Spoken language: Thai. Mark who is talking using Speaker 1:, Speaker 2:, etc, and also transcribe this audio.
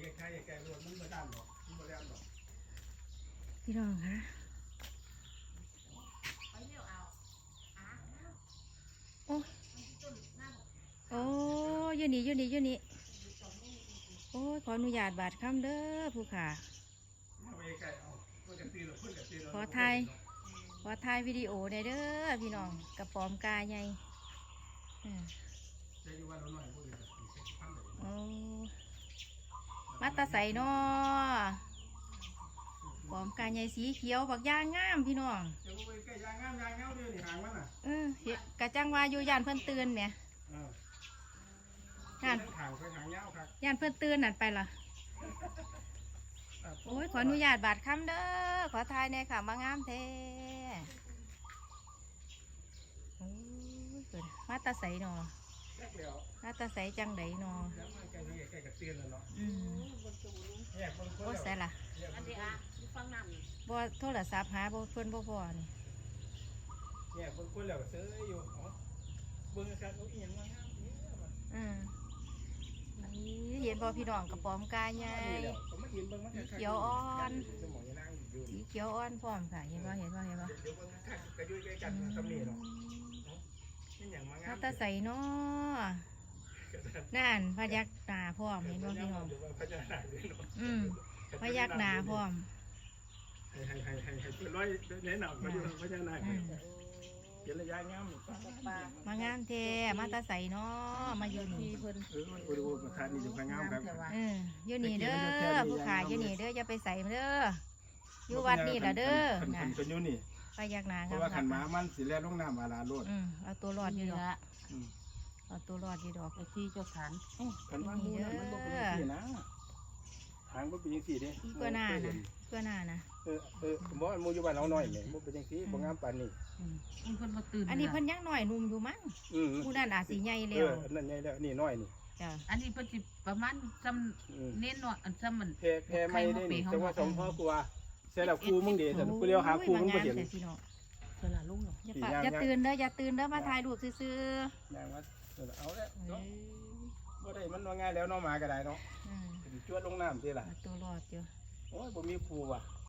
Speaker 1: พี่น้องคะโอ้โอ้ยืนนี่โอ้ยขออนุญาตบาดคำเด้อผู้ขาขอถ่ายวิดีโอได้เด้อพี่น้องกระป๋อมกาใหญ่โอ้มาตาใสนอปอมกาใหญ่สีเขียวบักย่างงามพี่น้องกะจังว่าอยู่ย่านเพิ่นตื่นเนี่ยย่านเพิ่นตื่นนั่นไปล่ะโอ้ยขออนุญาตบาดคำเด้อขอทายในค่ะมางามแท้โอ้ยเกิดมาตาใสนอมาตาใสจังไดนอโอ้ใส่ล่ะบ่โทรศัพท์หาบ่เพิ่นบ่พอนี่
Speaker 2: เนี่ยคนแล้วซื้ออยู่เบิ่งกันเอาอีหยังมางาม
Speaker 1: นี่เห็นบ่พี่น้องกระป๋อมกาใหญ่สีเขียวอ่อนพร้อมค่ะเห็นบ่มาตาใสเนาะนั่นพยักหน้าพร้อมเห็นบ่พี่น้องพยักหน้าพร้อม
Speaker 2: ให้ร้อยแนะนำมาดูพยักหน้าเดี๋ยวระยะงาม
Speaker 1: มางามแท้มาตาใสเนาะมาอยู่นี่เพิ่น
Speaker 2: ดูประธานนี่อยู่ข้างงามครับ
Speaker 1: อยู่นี่เด้อผู้ขายอยู่นี่เด้ออย่าไปใส่เด้ออยู่วัดนี่ล่ะเด้อ
Speaker 2: นะเป็นอยู่นี่
Speaker 1: พยักหน้าครับ
Speaker 2: เพราะว่าขันม้ามันสิแล่ลงน้ำอาลาโลด
Speaker 1: เอาตัวรอดอยู่ดอกเอาตัวรอดอยู่ดอกไอ้ที่เจ้าขัน
Speaker 2: ขันม้ามูน่ะมันบ่เป็นจังซี่นะหางบ่เป็นจังซี่เด้
Speaker 1: เพื่อหน้านะ
Speaker 2: บ่มูอยู่บ้านเราน้อยแม่บ่เป็นจังซี่บ่งามปานนี้
Speaker 1: เพิ่นบ่ตื่นอันนี้เพิ่นยังน้อยหนุ่มอยู่มั้งผู้นั้นอาจสิใหญ่แล้ว
Speaker 2: นั่นใหญ่แล้วนี่น้อยนี่
Speaker 1: จ้ะ
Speaker 3: อันนี้เพิ่นสิประมาณซ้ำเน้นเนาะอันซ้ำมัน
Speaker 2: แพ้ไม่ได้นี่แต่ว่าสมพ่อกว่าเสร็จแล้วครูมึงเด้แต่กูเลี้ยวหาครูมึงบ่เห็น
Speaker 3: เวลาลุงเนาะ
Speaker 1: อย่าตื่นเด้อมาถ่ายรูปซื่อ
Speaker 2: ๆอย่างว่าเอาแล้วบ่ได้มันว่าง่ายแล้วเนาะมาก็ได้เนาะจวดลงน้ำสิล่ะ
Speaker 1: ตัวรอดอยู่
Speaker 2: โอ้ยบ่มีครูว่ะ